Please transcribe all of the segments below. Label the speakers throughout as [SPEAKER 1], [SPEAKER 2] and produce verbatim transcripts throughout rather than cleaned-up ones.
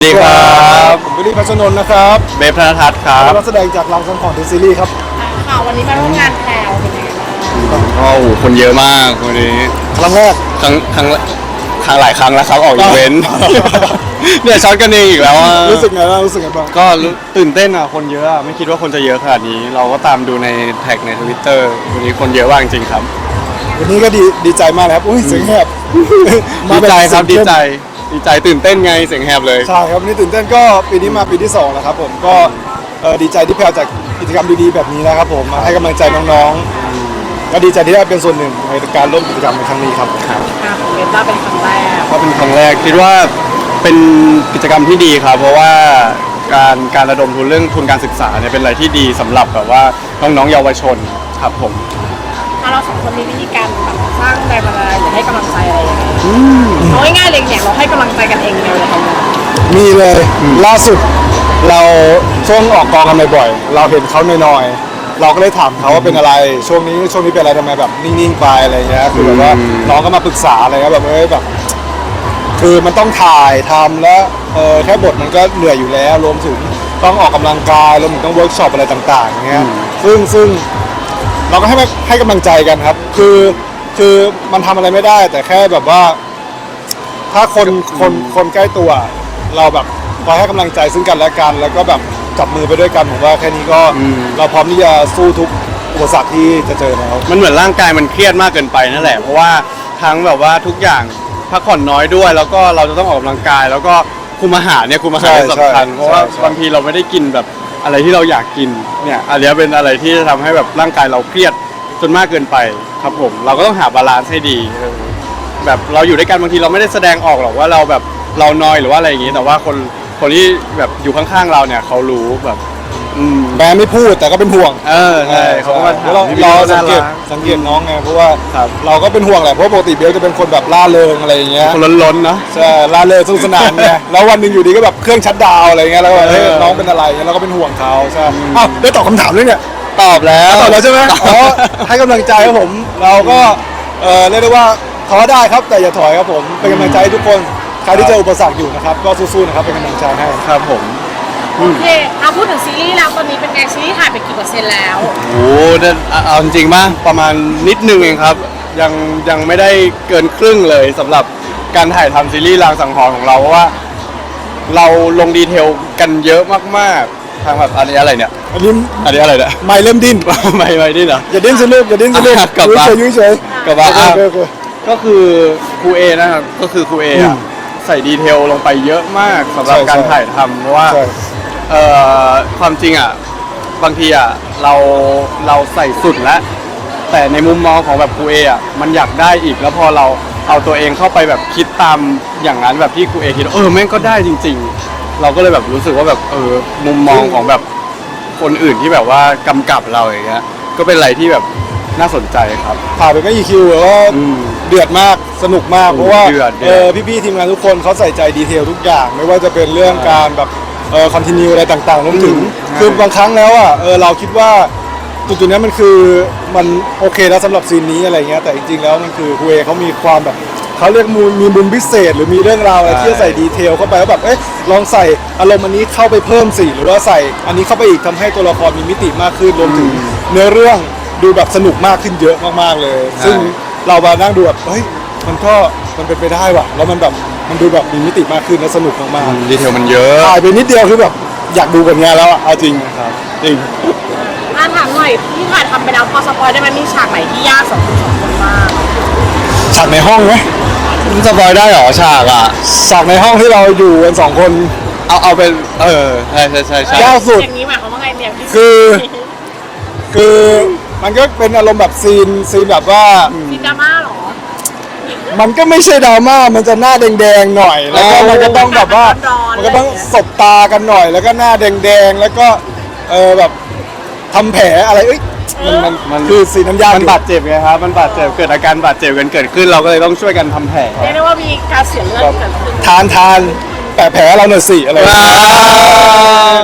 [SPEAKER 1] สวัสดีครับ
[SPEAKER 2] ผมวิลลี่พัชรนนท์นะครับ
[SPEAKER 1] เบฟธนทัศน์ครับ
[SPEAKER 2] นักแสดงจากเราสังขรณ์เดอะซีรีส์ครับ
[SPEAKER 3] ค่ะวันนี้มาร่วมงานแพลวเป็นยังไงบ้าง
[SPEAKER 1] ก็โอ้โหคนเยอะมากวันนี้
[SPEAKER 2] ครั้งแรก
[SPEAKER 1] ครั้งครั้งครั้งหลายครั้งแล้วครับออกอีเวนต์ เนี่ยช็อตกันเองอีกแล้วอะ
[SPEAKER 2] รู้สึกไงบ้างรู้สึกไงบ้าง
[SPEAKER 1] ก็รู้ตื่นเต้นอ่ะคนเยอะอะไม่คิดว่าคนจะเยอะขนาดนี้ เราก็ตามดูในแท็กในทวิตเตอร์วันนี้คนเยอะมากจริงๆครับ
[SPEAKER 2] วันนี้ก็ดีดีใจมากเลยครับอุ้ยเสียงแหบ
[SPEAKER 1] ดีใจครับ
[SPEAKER 2] เสี
[SPEAKER 1] ดี
[SPEAKER 2] ยงเข้ม
[SPEAKER 1] ใจดีใจตื่นเต้นไงเสียงแหบเลย
[SPEAKER 2] ใช่ครับวันนี้ตื่นเต้นก็ปีนี้มาปีที่สองแล้วครับผมก็เอ่อดีใจที่แพลวจากกิจกรรมดีๆแบบนี้นะครับผมมาให้กำลังใจน้องๆก็ดีใจที่ได้เป็นส่วนหนึ่งในการร่วมกิจกรรมในครั้งนี้ครับ
[SPEAKER 1] ครับ
[SPEAKER 3] อ่ะของเบต้าเป็นครั้งแรก
[SPEAKER 1] ก็เป็นครั้งแรกคิดว่าเป็นกิจกรรมที่ดีครับ เพราะว่าการการระดมทุนเรื่องทุนการศึกษาเนี่ยเป็นอะไรที่ดีสำหรับแบบว่าน้องๆเยาวชนครับผม
[SPEAKER 3] ถ้าเราสองคนมีวิธีการแบบสร้างแรงบันดาลใจหรือให้กำลังใจอะไรยังไงเอาง่ายๆเลยเนี่ยเราให้กำลังใจกันเองเลยทำงาน
[SPEAKER 2] มีเลยล่าสุดเราช่วงออกกองกันบ่อยๆเราเห็นเขาน้อยๆเราก็เลยถามเขาว่าเป็นอะไรช่วงนี้ช่วงนี้เป็นอะไรทำไมแบบนิ่งๆไปอะไรเงี้ยคือแบบว่าน้องก็มาปรึกษาอะไรเงี้ยแบบเอ้ยแบบ คือมันต้องถ่ายทำแล้วเออแค่บทมันก็เหนื่อยอยู่แล้วรวมถึงต้องออกกำลังกายรวมถึงต้องเวิร์กช็อปอะไรต่างๆอย่างเงี้ยซึ่งซึ่งเราก็ให้ให้กำลังใจกันครับ คือคือมันทำอะไรไม่ได้ แต่แค่แบบว่า ถ้าคนคนคนใกล้ตัว เราแบบคอยให้กำลังใจซึ่งกันและกัน แล้วก็แบบจับมือไปด้วยกันผมว่าแค่นี้ก็เราพร้อมที่จะสู้ทุกอุปสรรคที่จะเจอแล้ว
[SPEAKER 1] มันเหมือนร่างกายมันเครียดมากเกินไปนั่นแหละเพราะว่าทั้งแบบว่าทุกอย่างพักผ่อนน้อยด้วย แล้วก็เราจะต้องออกกำลังกาย แล้วก็คุมอาหารเนี่ยคุมอาหารสำคัญเพราะว่าบางทีเราไม่ได้กินแบบอะไรที่เราอยากกินเนี่ยอันนี้เป็นอะไรที่จะทำให้แบบร่างกายเราเครียดจนมากเกินไปครับผมเราก็ต้องหาบาลานซ์ให้ดีเออแบบเราอยู่ด้วยกันบางทีเราไม่ได้แสดงออกหรอกว่าเราแบบเรานอยหรือว่าอะไรอย่างงี้แต่ว่าคนคนที่แบบอยู่ข้างๆเราเนี่ยเขารู้แบบอืม
[SPEAKER 2] แม้ไม่พูดแต่ก็เป็นห่วง
[SPEAKER 1] เออใช่เขาก็มาถาม
[SPEAKER 2] เรา
[SPEAKER 1] พี่
[SPEAKER 2] เรา
[SPEAKER 1] ๆ
[SPEAKER 2] สังเกต
[SPEAKER 1] น่ารัก
[SPEAKER 2] สังเกตน้องไงเพราะว่า
[SPEAKER 1] ครับ
[SPEAKER 2] เราก็เป็นห่วงแหละเพราะปกติเบลจะเป็นคนแบบล่าเริงอะไรอย่างเงี้ย
[SPEAKER 1] คนล้นๆเนาะ
[SPEAKER 2] ใช่ล่าเริงสนุกสนานไงแล้ววันหนึ่งอยู่ดีก็แบบเครื่องชัตดาวน์อะไรเงี้ยแล้วก็แบบเฮ้ย
[SPEAKER 1] เออ
[SPEAKER 2] น้องเป็นอะไรเงี้ยเราก็เป็นห่วงเขาใช่อ้าวได้ตอบคำถามเลยเนี่ย
[SPEAKER 1] ตอบแล้ว
[SPEAKER 2] ตอบแล้วใช่ไหมอ๋อให้กำลังใจครับผมเราก็เออเรียกได้ว่าท้อได้ครับแต่อย่าถอยครับผมเป็นกำลังใจให้ทุกคนใครที่เจออุปสรรคอยู่นะครับก็สู้ๆนะครับเป็นกำลังใจให้
[SPEAKER 1] ครับผม
[SPEAKER 3] โอเคเอาพูดถึงซีรีส์แล้วตอนนี้เป็นไงซีรีส์ถ่ายไปกี่เปอร์เซ็นต์แล้ว
[SPEAKER 1] โอ้โหเนี่ยเอาเอาจริงๆป่ะประมาณนิดนึงเองครับ ยังยังไม่ได้เกินครึ่งเลยสำหรับการถ่ายทำซีรีส์รางสังหรณ์ของเราเพราะว่า เราลงดีเทลกันเยอะมากๆทางแบบอันนี้อะไรเนี่ย
[SPEAKER 2] อันนี้
[SPEAKER 1] อันนี้อะไรเนี่ย
[SPEAKER 2] ไม่เริ่มดิ้น
[SPEAKER 1] ไม่ไม่นี่เหรอ
[SPEAKER 2] อย่าดิ้นสิลูกอย่าดิ้นสิลูก
[SPEAKER 1] อ่ะกลับมา
[SPEAKER 2] ยุ่ยเฉยๆ
[SPEAKER 1] กลับมา
[SPEAKER 2] โอ
[SPEAKER 1] อ่ะ
[SPEAKER 2] เคโอเค
[SPEAKER 1] ก็คือครูเอนะครับก็คือครูเอ
[SPEAKER 2] อื
[SPEAKER 1] อะ
[SPEAKER 2] ม
[SPEAKER 1] ใส่ดีเทลลงไปเยอะมากสำหรับ
[SPEAKER 2] ใช่
[SPEAKER 1] การ
[SPEAKER 2] ใช่
[SPEAKER 1] ถ่ายทำเพราะว่า
[SPEAKER 2] ใช่
[SPEAKER 1] เอ่อความจริงอ่ะบางทีอ่ะเราเราใส่สุดแล้ว แต่ในมุมมองของแบบครูเออ่ะมันอยากได้อีกแล้วพอเราเอาตัวเองเข้าไปแบบคิดตามอย่างนั้นแบบที่ครูเอคิดเออแม่งก็ได้จริง ๆ เราก็เลยแบบรู้สึกว่าแบบเออมุมมองของแบบคนอื่นที่แบบว่ากำกับเราอย่างเงี้ยก็เป็นอะไรที่แบบน่าสนใจครับ
[SPEAKER 2] ถ่ายไปไม่กี่คิวแล้วก็
[SPEAKER 1] อืม
[SPEAKER 2] เดือดมากสนุกมาก
[SPEAKER 1] โอ้
[SPEAKER 2] เพราะว่า
[SPEAKER 1] เดือดเดือด
[SPEAKER 2] เออพี่ๆทีมงานทุกคนเขาใส่ใจดีเทลทุกอย่าง ไม่ว่าจะเป็นเรื่องการแบบเออคอนติเนียอะไรต่างๆรวมถึง
[SPEAKER 1] อืม
[SPEAKER 2] คือบางครั้งแล้วอ่ะเออเราคิดว่าจุดๆนี้มันคือมันโอเคแล้วสำหรับซีนนี้อะไรเงี้ยแต่จริงๆแล้วมันคือคุเอเขามีความแบบเขาเรียกมูลมีมุมพิเศษ หรือมีเรื่องราวอะไรที่จะใส่ดีเทลเข้าไปแล้วแบบเอ๊ะลองใส่อารมณ์อันนี้เข้าไปเพิ่มสิหรือว่าใส่อันนี้เข้าไปอีกทำให้ตัวละครมีมิติมากขึ้นรวมถึงเนื้อเรื่องดูแบบสนุกมากขึ้นเยอะมากๆเลย ซึ่งเรามานั่งดูแบบเฮ้ยมันก็มันเป็นไปได้ว่ะแล้วมันแบบมันดูแบบมีมิติมากขึ้นและสนุกมาก
[SPEAKER 1] ดีเทลมันเยอะ
[SPEAKER 2] ๆถ่ายไปนิดเดียวคือแบบอยากดูกันงานแล้วอ่ะเอาจริง
[SPEAKER 1] ครับจริง
[SPEAKER 3] อ่ะถามหน่อยที่ถ่ายทำไปแล้วพอสปอยได้ไหมมีฉากไหนที่ยากสำหรับคุณสองคนบ้าง
[SPEAKER 2] ฉากในห้องไหม
[SPEAKER 1] สปอยได้เหรอฉากอ่ะ
[SPEAKER 2] ฉากในห้องที่เราอยู่กันสองคน
[SPEAKER 1] เอาเอาเป็นเออใช่ใช่ใช่ใช่
[SPEAKER 2] ยากสุด
[SPEAKER 3] อย่างนี้หมายความว่าไงเนี่ยพี่
[SPEAKER 2] คือ คือมันก็เป็นอารมณ์แบบซีนซีนแบบว่า
[SPEAKER 3] ซีนดราม่าเหรอ
[SPEAKER 2] มันก็ไม่ใช่ดราม่ามันจะหน้าแดงๆหน่อย แล้วก็มันก็ต้องแบบว่า มันก็ต้องสบตากันหน่อย แล้วก็หน้าแดงๆแล้วก็เออแบบทำแผลอะไรเอ้ยมันมัน
[SPEAKER 1] มัน
[SPEAKER 2] คือซีนนั้นยาก
[SPEAKER 1] มัน
[SPEAKER 2] อยู่
[SPEAKER 1] บาดเจ็บไงครับมันบาดเจ็บเกิดอาการบาดเจ็บกันเกิดขึ้นเราก็เลยต้องช่วยกันทำแผล
[SPEAKER 3] เรียกได้ว่ามีการเสียเลือดเกิดขึ้น
[SPEAKER 2] ทานทานแปะแผลเราหน่อยสิอะไรอย่างเงี้ย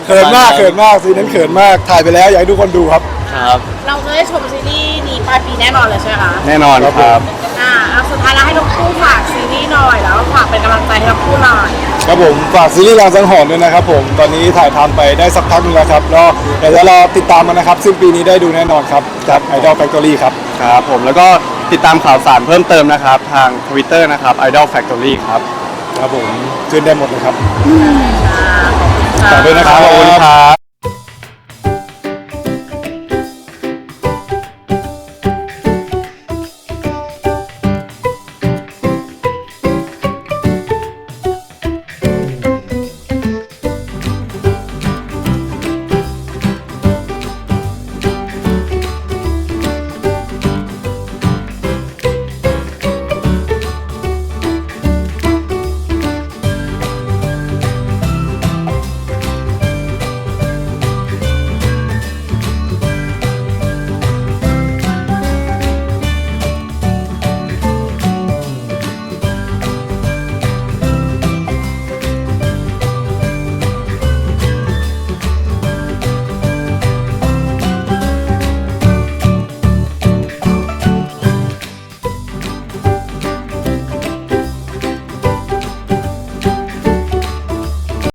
[SPEAKER 2] เขินมากเขินมากซีนนั้นเขินมากถ่ายไปแล้วอยากให้ทุกคนดูครับ
[SPEAKER 1] ครับ
[SPEAKER 3] เราจะได้ชมซีรีส์นี้ปลายปีแน่นอนเลยใช่ไหมคะ
[SPEAKER 1] แน่นอนครับ
[SPEAKER 3] อ่าเอาสุดท้ายแล้วให้ทั้งคู่ฝากซีรีส์หน่อยแล้วฝากเป็นกำลังใจให้ทั้งคู่หน่อย
[SPEAKER 2] ครับผมฝากซีรีส์รางสังหรณ์ด้วยนะครับผมตอนนี้ถ่ายทำไปได้สักพักหนึงแล้วครับแล้วเดี๋ยวจะรอติดตามมันนะครับสิ้นปีนี้ได้ดูแน่นอนครับจาก Idol Factory ครับ
[SPEAKER 1] ครับผมแล้วก็ติดตามข่าวสารเพิ่มเติมนะครับ ทาง Twitter นะครับ Idol Factory ครับ
[SPEAKER 2] ครับผมชื่นได้หมดเลยครับ
[SPEAKER 3] อ่าขอบคุณค่ะ
[SPEAKER 2] ฝากด้วยนะครับ
[SPEAKER 1] ขอบคุณครับ